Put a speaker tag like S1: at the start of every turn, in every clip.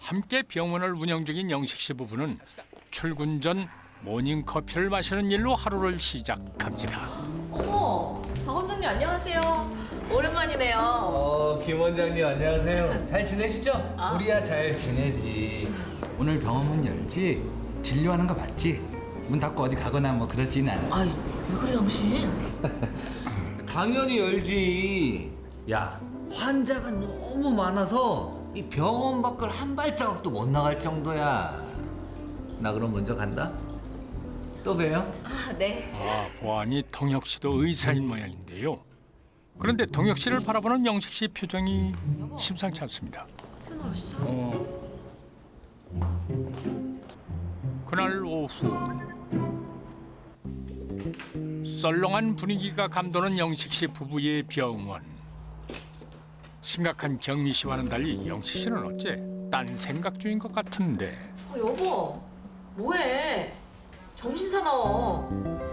S1: 함께 병원을 운영 중인 영식 씨 부부는 출근 전 모닝커피를 마시는 일로 하루를 시작합니다.
S2: 어머, 박 원장님 안녕하세요. 오랜만이네요.
S3: 김 원장님 안녕하세요. 잘 지내시죠?
S4: 우리야 잘 지내지. 오늘 병원 문 열지? 진료하는 거 맞지? 문 닫고 어디 가거나 뭐 그러진 않아.
S2: 아이, 왜 그래 당신?
S3: 당연히 열지. 야, 환자가 너무 많아서 이 병원 밖을 한 발자국도 못 나갈 정도야. 나 그럼 먼저 간다. 또 봬요.
S2: 아, 네.
S1: 보아하니 동혁 씨도 의사인 모양인데요. 그런데 동혁 씨를 바라보는 영식 씨 표정이 심상치 않습니다.
S2: 편하시죠?
S1: 그날 오후 썰렁한 분위기가 감도는 영식 씨 부부의 병원. 심각한 경미 씨와는 달리 영식 씨는 어째 딴 생각 중인 것 같은데.
S2: 여보, 뭐해? 정신 사나워.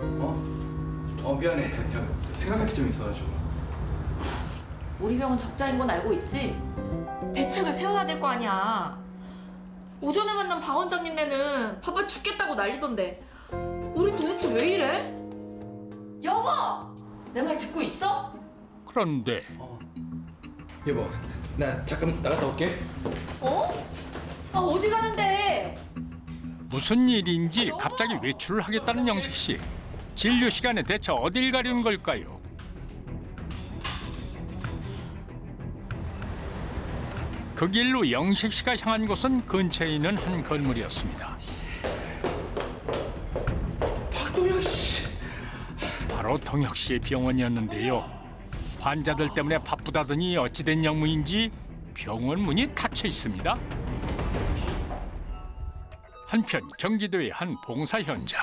S4: 미안해. 저 생각할 게 좀 있어가지고.
S2: 우리 병원 적자인 건 알고 있지? 대책을 세워야 될 거 아니야. 오전에 만난 박 원장님네는 바빠 죽겠다고 난리던데. 우린 도대체 왜 이래? 여보! 내 말 듣고 있어?
S1: 그런데
S4: 여보, 나 잠깐 나갔다 올게.
S2: 어? 아, 어디 가는데?
S1: 무슨 일인지 갑자기 외출을 하겠다는 영식 씨. 진료 시간에 대체 어딜 가려는 걸까요? 그 길로 영식 씨가 향한 곳은 근처에 있는 한 건물이었습니다.
S4: 박동혁 씨.
S1: 바로 동혁 씨의 병원이었는데요. 환자들 때문에 바쁘다더니 어찌된 영무인지 병원 문이 닫혀 있습니다. 한편 경기도의 한 봉사 현장.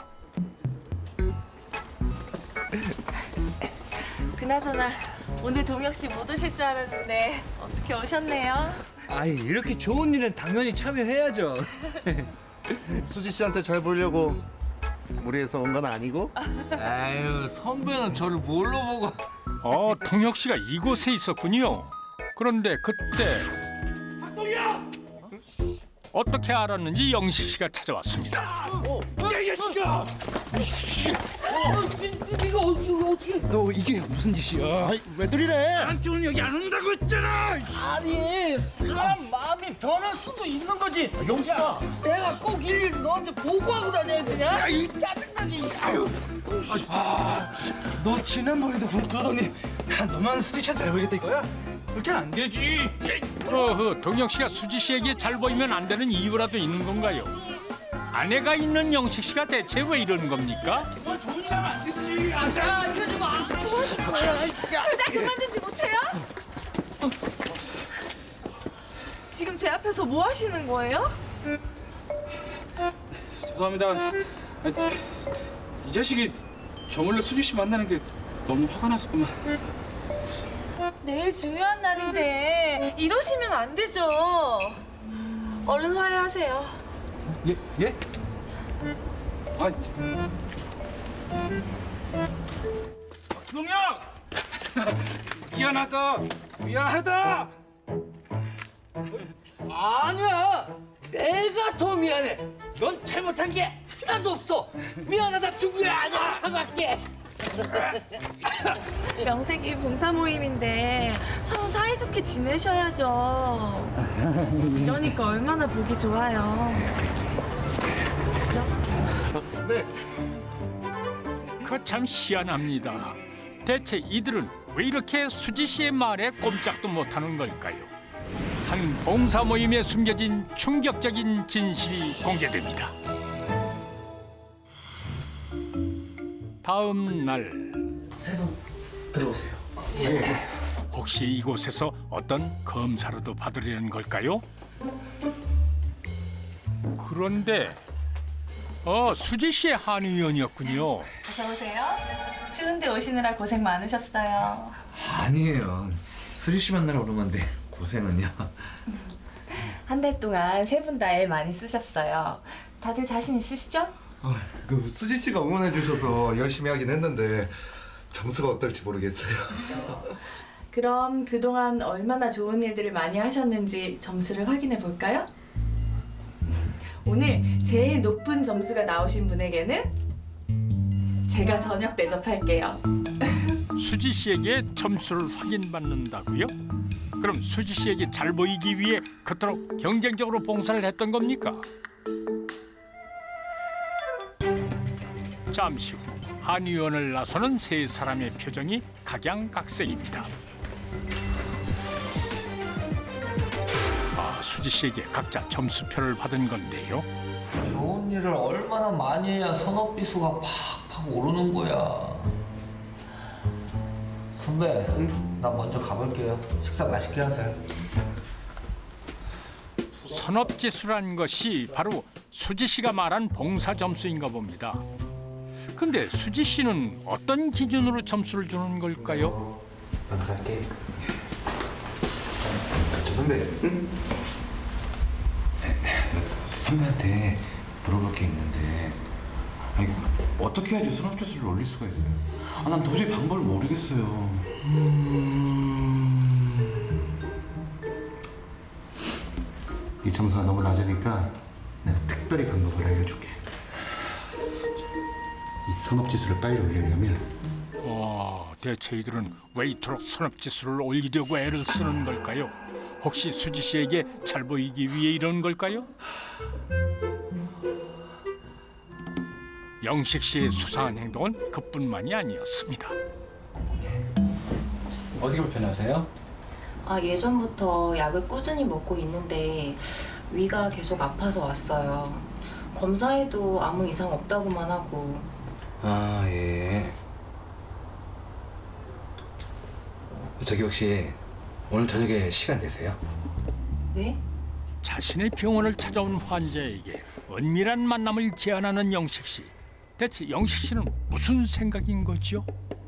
S5: 그나저나 오늘 동혁 씨 못 오실 줄 알았는데 어떻게 오셨네요?
S3: 아이, 이렇게 좋은 일은 당연히 참여해야죠.
S6: 수지 씨한테 잘 보려고 무리해서 온 건 아니고?
S3: 아유, 선배는 저를 뭘로 보고.
S1: 동혁 씨가 이곳에 있었군요. 그런데 그때 어떻게 알았는지 영식 씨가 찾아왔습니다.
S4: 너 이게 무슨 짓이야?
S6: 아이, 왜 들이래?
S4: 한쪽은 여기 안 온다고 했잖아.
S7: 아니 사람 마음이 변할 수도 있는 거지.
S6: 영수가
S7: 내가 꼭 일일이 너한테 보고하고 다녀야 되냐? 야이 짜증나지. 아유.
S4: 너 지난번에도 그러더니 너만 스티샷 잘 보이겠다 이거야? 그렇게는 안 되지.
S1: 동혁 씨가 수지 씨에게 잘 보이면 안 되는 이유라도 있는 건가요? 아내가 있는 영식 씨가 대체 왜 이러는 겁니까?
S4: 뭐 좋은 일 하면 안 되지.
S7: 야 이거 좀 아.
S5: 둘 다 그만두지 못해요? 지금 제 앞에서 뭐 하시는 거예요?
S8: 죄송합니다. 이 자식이 저 몰래 수지 씨 만나는 게 너무 화가 났었구만.
S5: 내일 중요한 날인데 이러시면 안 되죠. 얼른 화해하세요.
S8: 예? 예? 아, 동혁! 미안하다. 미안하다.
S7: 아니야. 내가 더 미안해. 넌 잘못한 게 하나도 없어. 미안하다 중구야. 아니야 사과할게.
S5: 명색이 봉사 모임인데 서로 사이좋게 지내셔야죠. 이러니까 얼마나 보기 좋아요. 그죠?
S6: 네.
S1: 그 참 희한합니다. 대체 이들은 왜 이렇게 수지 씨의 말에 꼼짝도 못하는 걸까요? 한 봉사 모임에 숨겨진 충격적인 진실이 공개됩니다. 다음 날
S4: 세분 들어오세요.
S1: 혹시 이곳에서 어떤 검사라도 받으려는 걸까요? 그런데 수지 씨의 한의원이었군요.
S5: 어서 오세요. 추운데 오시느라 고생 많으셨어요.
S4: 아니에요. 수리 씨 만나러 오는 건데 고생은요.
S5: 한 달 동안 세 분 다 애 많이 쓰셨어요. 다들 자신 있으시죠?
S6: 그 수지 씨가 응원해 주셔서 열심히 하긴 했는데 점수가 어떨지 모르겠어요.
S5: 그럼 그동안 얼마나 좋은 일들을 많이 하셨는지 점수를 확인해 볼까요? 오늘 제일 높은 점수가 나오신 분에게는 제가 저녁 대접할게요.
S1: 수지 씨에게 점수를 확인받는다고요? 그럼 수지 씨에게 잘 보이기 위해 그토록 경쟁적으로 봉사를 했던 겁니까? 잠시 후 한의원을 나서는 세 사람의 표정이 각양각색입니다. 수지 씨에게 각자 점수표를 받은 건데요.
S3: 좋은 일을 얼마나 많이 해야 선업지수가 팍팍 오르는 거야. 선배, 나 먼저 가볼게요. 식사 맛있게 하세요.
S1: 선업지수란 것이 바로 수지 씨가 말한 봉사 점수인가 봅니다. 근데 수지 씨는 어떤 기준으로 점수를 주는 걸까요?
S6: 난 갈게.
S4: 저 선배. 선배한테 물어볼 게 있는데 아니, 어떻게 해야지 선업지수를 올릴 수가 있어요? 난 도저히 방법을 모르겠어요.
S6: 이 점수가 너무 낮으니까 내가 특별히 방법을 알려줄게. 이 선업지수를 빨리 올리려면
S1: 대체 이들은 왜 이토록 선업지수를 올리려고 애를 쓰는 걸까요? 혹시 수지 씨에게 잘 보이기 위해 이런 걸까요? 영식 씨의 수상한 행동은 그뿐만이 아니었습니다.
S4: 어디가 불편하세요?
S5: 예전부터 약을 꾸준히 먹고 있는데 위가 계속 아파서 왔어요. 검사해도 아무 이상 없다고만 하고.
S4: 예. 저기 혹시 오늘 저녁에 시간 되세요?
S5: 네?
S1: 자신의 병원을 찾아온 환자에게 은밀한 만남을 제안하는 영식 씨. 대체 영식 씨는 무슨 생각인 거죠?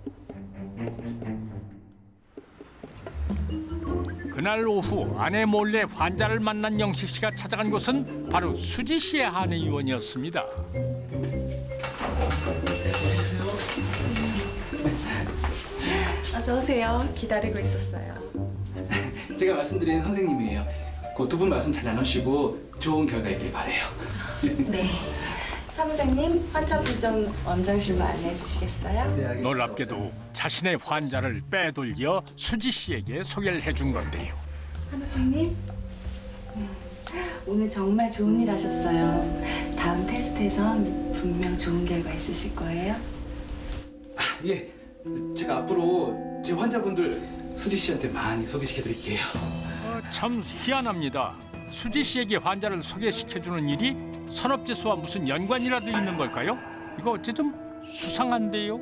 S1: 그날 오후 아내 몰래 환자를 만난 영식 씨가 찾아간 곳은 바로 수지 씨의 한의원이었습니다.
S5: 어서 오세요. 기다리고 있었어요.
S8: 제가 말씀드린 선생님이에요. 그 두 분 말씀 잘 나누시고 좋은 결과 있길 바래요.
S5: 네. 사무장님, 환자 부정 원장실로 안내해 주시겠어요?
S1: 놀랍게도 자신의 환자를 빼돌려 수지 씨에게 소개를 해준 건데요.
S5: 사무장님, 오늘 정말 좋은 일 하셨어요. 다음 테스트에선 분명 좋은 결과 있으실 거예요.
S8: 예, 제가 앞으로 제 환자분들 수지 씨한테 많이 소개시켜드릴게요.
S1: 참 희한합니다. 수지 씨에게 환자를 소개시켜주는 일이 선업지수와 무슨 연관이라도 있는 걸까요? 이거 어째 좀 수상한데요.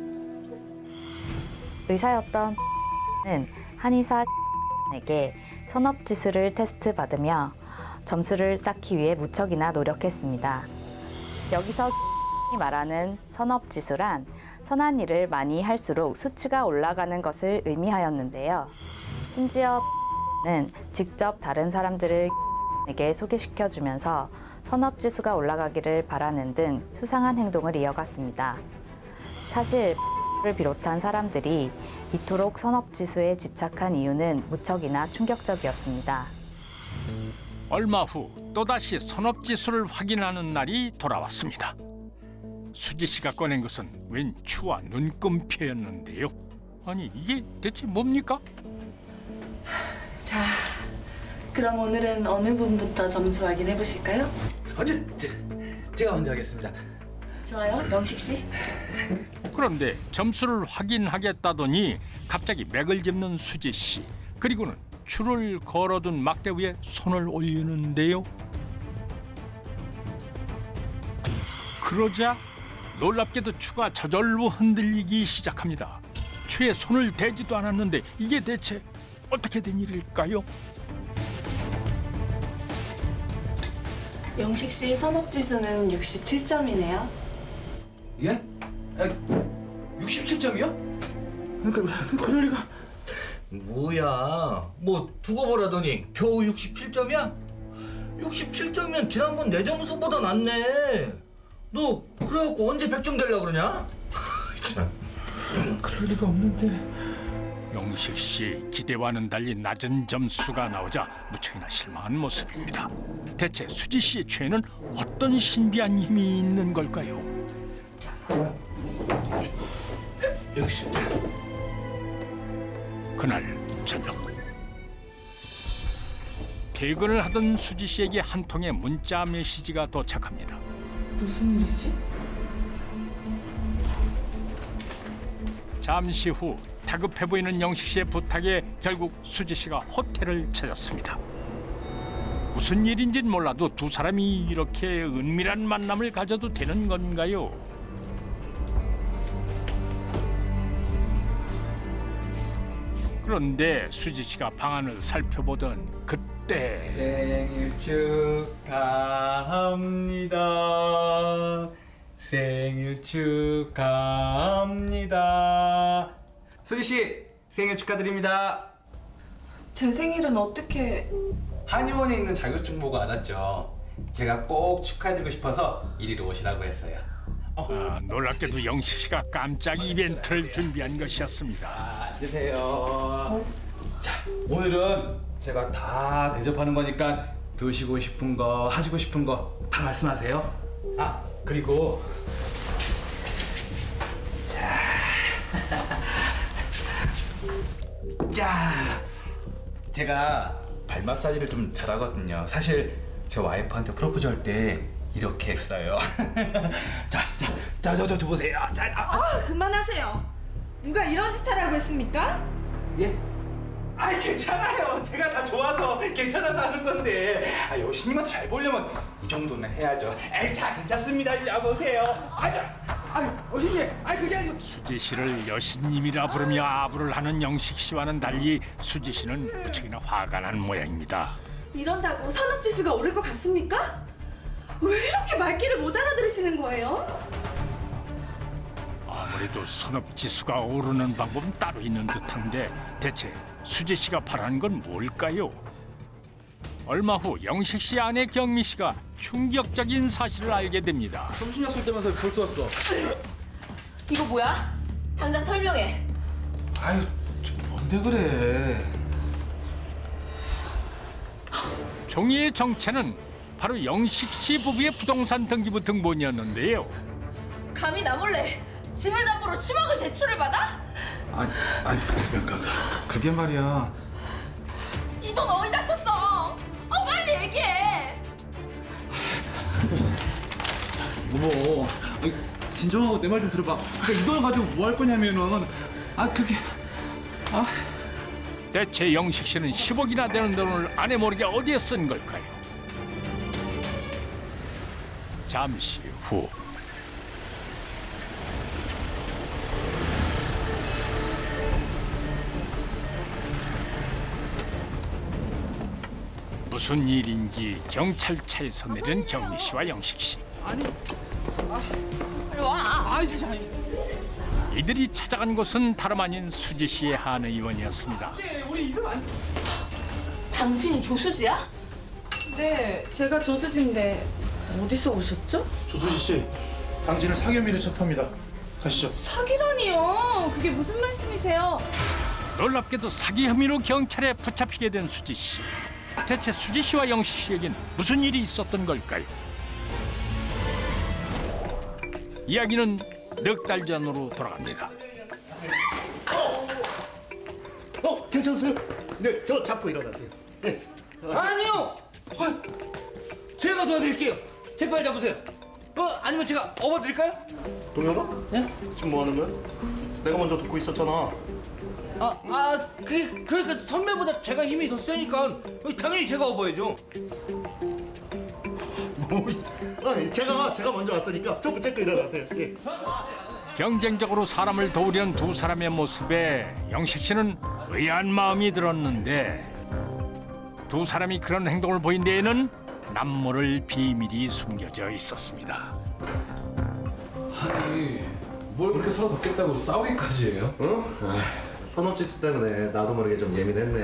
S9: 의사였던 는 한의사에게 선업지수를 테스트 받으며 점수를 쌓기 위해 무척이나 노력했습니다. 여기서 말하는 선업지수란 선한 일을 많이 할수록 수치가 올라가는 것을 의미하였는데요. 심지어 는 직접 다른 사람들을 에게 소개시켜주면서 선업지수가 올라가기를 바라는 등 수상한 행동을 이어갔습니다. 사실 를 비롯한 사람들이 이토록 선업지수에 집착한 이유는 무척이나 충격적이었습니다.
S1: 얼마 후 또다시 선업지수를 확인하는 날이 돌아왔습니다. 수지 씨가 꺼낸 것은 웬 추와 눈금표였는데요. 아니 이게 대체 뭡니까?
S5: 자, 그럼 오늘은 어느 분부터 점수 확인해 보실까요?
S4: 제가 먼저 하겠습니다.
S5: 좋아요, 영식 씨.
S1: 그런데 점수를 확인하겠다더니 갑자기 맥을 짚는 수지 씨. 그리고는 추를 걸어둔 막대 위에 손을 올리는데요. 그러자 놀랍게도 추가 저절로 흔들리기 시작합니다. 추에 손을 대지도 않았는데 이게 대체 어떻게 된 일일까요?
S5: 영식 씨 선업지수는 67점이네요.
S8: 예? 67점이요? 그러니까 그럴 리가.
S3: 뭐야? 뭐 두고 보라더니 겨우 67점이야? 67점이면 지난번 내 점수보다 낫네. 너 그래갖고 언제 100점 되려고 그러냐? 참.
S8: 그럴 리가 없는데.
S1: 영식 씨 기대와는 달리 낮은 점수가 나오자 무척이나 실망한 모습입니다. 대체 수지 씨의 최애는 어떤 신비한 힘이 있는 걸까요?
S8: 역시
S1: 그날 저녁 퇴근을 하던 수지 씨에게 한 통의 문자 메시지가 도착합니다.
S10: 무슨 일이지?
S1: 잠시 후 다급해 보이는 영식 씨의 부탁에 결국 수지 씨가 호텔을 찾았습니다. 무슨 일인지는 몰라도 두 사람이 이렇게 은밀한 만남을 가져도 되는 건가요? 그런데 수지 씨가 방안을 살펴보던 그때
S8: 생일 축하합니다. 생일 축하합니다. 수지 씨 생일 축하드립니다.
S10: 제 생일은 어떻게...
S8: 한의원에 있는 자격증 보고 알았죠. 제가 꼭 축하해드리고 싶어서 이리로 오시라고 했어요.
S1: 놀랍게도 영식 씨가 깜짝 이벤트를 준비한 것이었습니다.
S8: 앉으세요. 자, 오늘은 제가 다 대접하는 거니까 드시고 싶은 거, 하시고 싶은 거 다 말씀하세요. 아, 그리고 자, 제가 발 마사지를 좀 잘하거든요. 사실 제 와이프한테 프로포즈 할 때 이렇게 했어요. 저 보세요.
S10: 그만하세요. 누가 이런 짓 하라고 했습니까?
S8: 예? 아, 괜찮아요. 제가 다 좋아서 괜찮아서 하는 건데. 여신님한테 잘 보려면 이 정도는 해야죠. 자, 괜찮습니다. 이리 와보세요. 여신님. 그게 아니고.
S1: 수지 씨를 여신님이라 부르며 아부를 하는 영식 씨와는 달리 수지 씨는 무척이나 화가 난 모양입니다.
S10: 이런다고 산업지수가 오를 것 같습니까? 왜 이렇게 말귀를 못 알아들으시는 거예요?
S1: 아무래도 선업 지수가 오르는 방법은 따로 있는 듯한데 대체 수지 씨가 바라는 건 뭘까요? 얼마 후 영식 씨 아내 경미 씨가 충격적인 사실을 알게 됩니다.
S8: 점심 약속 때면서 벌써 왔어.
S2: 이거 뭐야? 당장 설명해.
S8: 아유, 뭔데 그래?
S1: 종이의 정체는 바로 영식 씨 부부의 부동산 등기부 등본이었는데요.
S2: 감히 나 몰래 집을 담보로 10억을 대출을 받아?
S8: 그게 말이야.
S2: 이 돈 어디다 썼어? 빨리 얘기해.
S8: 여보, 진정하고 내 말 좀 들어봐. 그러니까 이 돈을 가지고 뭐 할 거냐면은
S1: 대체 영식 씨는 10억이나 되는 돈을 아내 모르게 어디에 쓴 걸까요? 잠시 후 무슨 일인지 경찰차에서 내린 경미 씨와 영식 씨.
S2: 이리 와.
S1: 이들이 찾아간 곳은 다름 아닌 수지 씨의 한 의원이었습니다.
S2: 당신이 조수지야?
S10: 네, 제가 조수진데 어디서 오셨죠?
S11: 조수지 씨, 당신을 사기 혐의로 체포합니다. 가시죠.
S10: 사기라니요. 그게 무슨 말씀이세요?
S1: 놀랍게도 사기 혐의로 경찰에 붙잡히게 된 수지 씨. 대체 수지 씨와 영식 씨에겐 무슨 일이 있었던 걸까요? 이야기는 넉 달 전으로 돌아갑니다.
S6: 괜찮으세요? 네, 저 잡고 일어나세요. 네.
S7: 아니요. 제가 도와드릴게요. 제발 잡으세요. 아니면 제가 업어드릴까요?
S6: 동혁아? 네? 지금 뭐 하는 거야? 내가 먼저 돕고 있었잖아.
S7: 그러니까 선배보다 제가 힘이 더 세니까 당연히 제가 업어야죠.
S6: 제가 먼저 왔으니까 저 붙잡고 일어나세요. 예.
S1: 경쟁적으로 사람을 도우려는 두 사람의 모습에 영식 씨는 의아한 마음이 들었는데 두 사람이 그런 행동을 보인 데에는 남모를 비밀이 숨겨져 있었습니다.
S4: 아니 뭘 그렇게 서로 덥겠다고 싸우기까지 해요?
S6: 선업지수 때문에 나도 모르게 좀 예민했네.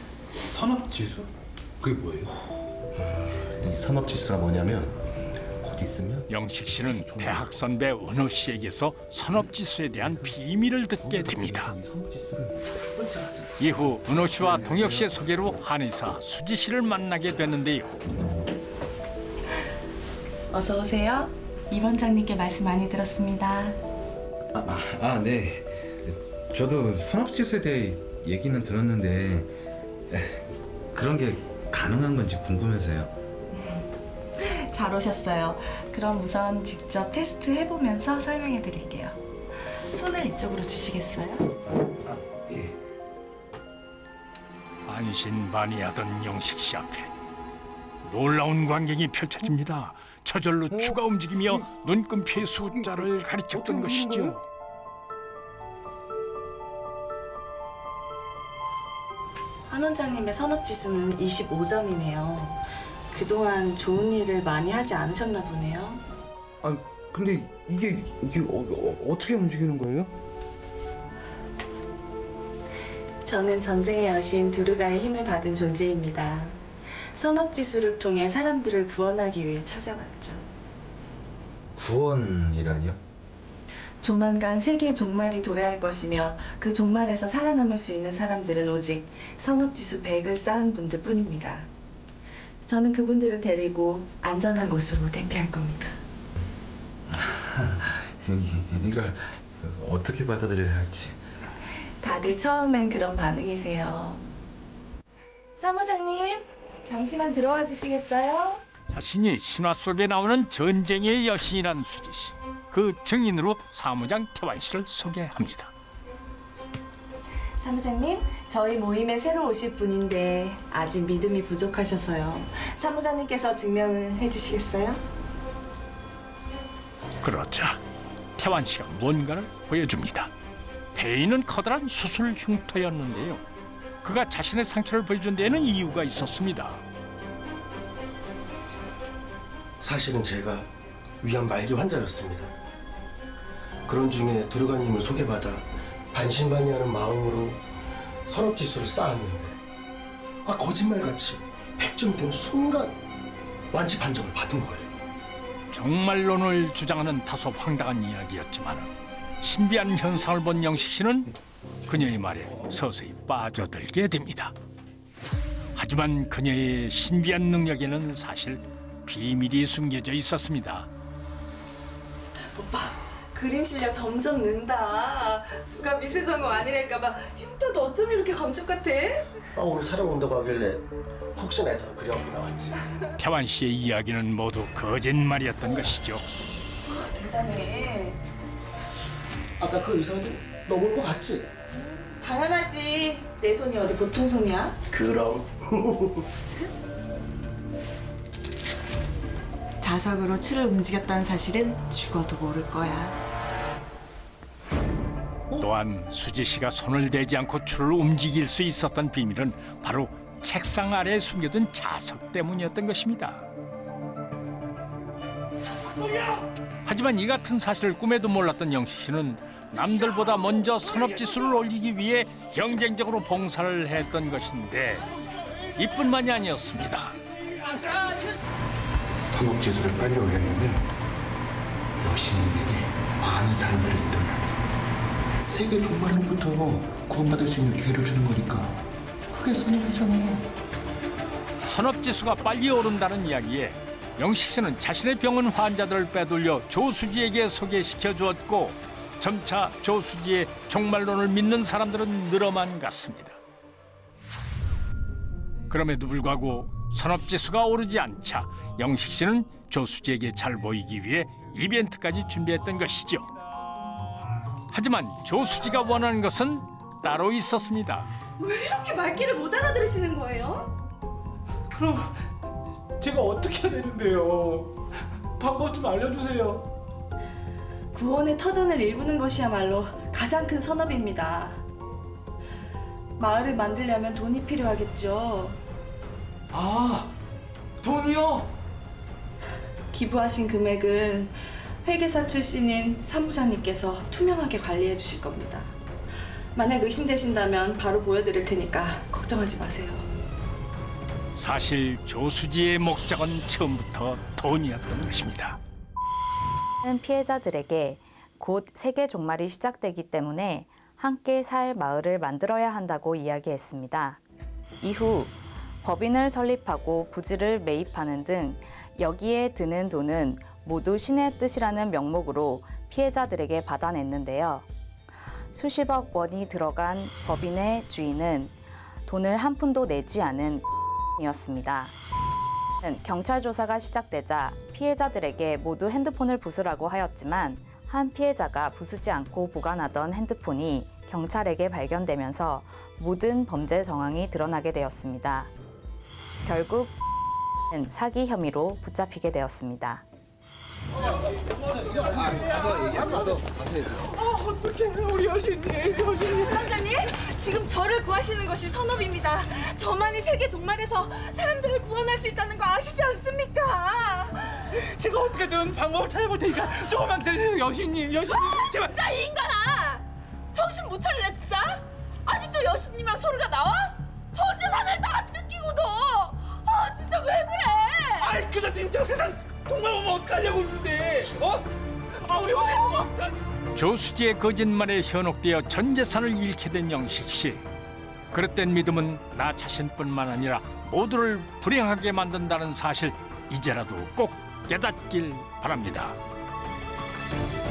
S4: 산업지수? 그게 뭐예요?
S6: 이 선업지수가 뭐냐면 곧 곧 있으면
S1: 영식 씨는 대학 선배 은호 씨에게서 선업지수에 대한 비밀을 듣게 됩니다. 이후 은호 씨와 동혁 씨의 소개로 한의사 수지 씨를 만나게 되는데요.
S10: 어서 오세요. 이 원장님께 말씀 많이 들었습니다.
S4: 네. 저도 선업지수에 대해 얘기는 들었는데 그런 게 가능한 건지 궁금해서요.
S10: 잘 오셨어요. 그럼 우선 직접 테스트 해보면서 설명해 드릴게요. 손을 이쪽으로 주시겠어요?
S4: 예.
S1: 안신반의하던 영식 씨 앞에 놀라운 광경이 펼쳐집니다. 저절로 추가 움직이며 눈금피의 숫자를 가리켰던 것이죠.
S10: 한 원장님의 선업지수는 25점이네요. 그동안 좋은 일을 많이 하지 않으셨나 보네요.
S4: 아 근데 이게 어떻게 움직이는 거예요?
S10: 저는 전쟁의 여신 두르가의 힘을 받은 존재입니다. 선업지수를 통해 사람들을 구원하기 위해 찾아왔죠.
S4: 구원이라니요?
S10: 조만간 세계의 종말이 도래할 것이며 그 종말에서 살아남을 수 있는 사람들은 오직 선업지수 100을 쌓은 분들 뿐입니다. 저는 그분들을 데리고 안전한 곳으로 대피할 겁니다.
S4: 이걸 어떻게 받아들여야 할지.
S10: 다들 처음엔 그런 반응이세요. 사무장님, 잠시만 들어와 주시겠어요?
S1: 자신이 신화 속에 나오는 전쟁의 여신이란 수지 씨. 그 증인으로 사무장 태환 씨를 소개합니다.
S10: 사무장님, 저희 모임에 새로 오실 분인데 아직 믿음이 부족하셔서요. 사무장님께서 증명을 해주시겠어요?
S1: 그러자 태환 씨가 뭔가를 보여줍니다. 대인은 커다란 수술 흉터였는데요. 그가 자신의 상처를 보여준 데에는 이유가 있었습니다.
S12: 사실은 제가 위암 말기 환자였습니다. 그런 중에 두루가님을 소개받아 반신반의하는 마음으로 선업지수를 쌓았는데 거짓말같이 100점 된 순간 완치 판정을 받은 거예요.
S1: 정말론을 주장하는 다소 황당한 이야기였지만 신비한 현상을 본 영식 씨는 그녀의 말에 서서히 빠져들게 됩니다. 하지만 그녀의 신비한 능력에는 사실 비밀이 숨겨져 있었습니다.
S10: 오빠, 그림 실력 점점 는다. 누가 미술 전공 아니랄까봐 흉터도 어쩜 이렇게 감쪽 같아?
S12: 오늘 촬영 온다고 하길래 혹시나 해서 그려갖고 나왔지.
S1: 태환 씨의 이야기는 모두 거짓말이었던 것이죠.
S10: 대단해.
S12: 아까 그 의사도 넘을 것 같지?
S10: 당연하지. 내 손이 어디 보통 손이야?
S12: 그럼.
S10: 자석으로 추를 움직였다는 사실은 죽어도 모를 거야.
S1: 또한 수지 씨가 손을 대지 않고 줄을 움직일 수 있었던 비밀은 바로 책상 아래에 숨겨둔 자석 때문이었던 것입니다. 하지만 이 같은 사실을 꿈에도 몰랐던 영식 씨는 남들보다 먼저 선업지수를 올리기 위해 경쟁적으로 봉사를 했던 것인데 이뿐만이 아니었습니다.
S6: 선업지수를 빨리 올리려면 여신님에게 많은 사람들을 인도해야 돼. 세계 종말부터 구원받을 수 있는 기회를 주는 거니까 그게 선업이잖아.
S1: 선업지수가 빨리 오른다는 이야기에 영식 씨는 자신의 병원 환자들을 빼돌려 조수지에게 소개시켜 주었고 점차 조수지의 종말론을 믿는 사람들은 늘어만 갔습니다. 그럼에도 불구하고 선업지수가 오르지 않자 영식 씨는 조수지에게 잘 보이기 위해 이벤트까지 준비했던 것이죠. 하지만 조수지가 원하는 것은 따로 있었습니다.
S10: 왜 이렇게 말귀를 못 알아들으시는 거예요?
S8: 그럼 제가 어떻게 해야 되는데요? 방법 좀 알려주세요.
S10: 구원의 터전을 일구는 것이야말로 가장 큰 선업입니다. 마을을 만들려면 돈이 필요하겠죠.
S8: 아, 돈이요?
S10: 기부하신 금액은 회계사 출신인 사무장님께서 투명하게 관리해 주실 겁니다. 만약 의심되신다면 바로 보여드릴 테니까 걱정하지 마세요.
S1: 사실 조수지의 목적은 처음부터 돈이었던 것입니다.
S9: 피해자들에게 곧 세계 종말이 시작되기 때문에 함께 살 마을을 만들어야 한다고 이야기했습니다. 이후 법인을 설립하고 부지를 매입하는 등 여기에 드는 돈은 모두 신의 뜻이라는 명목으로 피해자들에게 받아냈는데요. 수십억 원이 들어간 법인의 주인은 돈을 한 푼도 내지 않은 이었습니다. 경찰 조사가 시작되자 피해자들에게 모두 핸드폰을 부수라고 하였지만 한 피해자가 부수지 않고 보관하던 핸드폰이 경찰에게 발견되면서 모든 범죄 정황이 드러나게 되었습니다. 결국 사기 혐의로 붙잡히게 되었습니다.
S8: 어떡해 우리 여신님.
S10: 원장님, 지금 저를 구하시는 것이 선업입니다. 저만이 세계 종말에서 사람들을 구원할 수 있다는 거 아시지 않습니까?
S8: 제가 어떻게든 방법을 찾아볼 테니까 조금만 기다리세요 여신님. 제발.
S2: 진짜 이 인간아! 정신 못 차리네 진짜? 아직도 여신님이랑 소리가 나와? 전재산을 다 뜯기고도! 아 진짜 왜 그래!
S8: 아이 그저 진짜 세상 정말 오면 어떡하려고 그러는데 우리 여신님 어떡하지?
S1: 조수지의 거짓말에 현혹되어 전 재산을 잃게 된 영식 씨. 그릇된 믿음은 나 자신뿐만 아니라 모두를 불행하게 만든다는 사실 이제라도 꼭 깨닫길 바랍니다.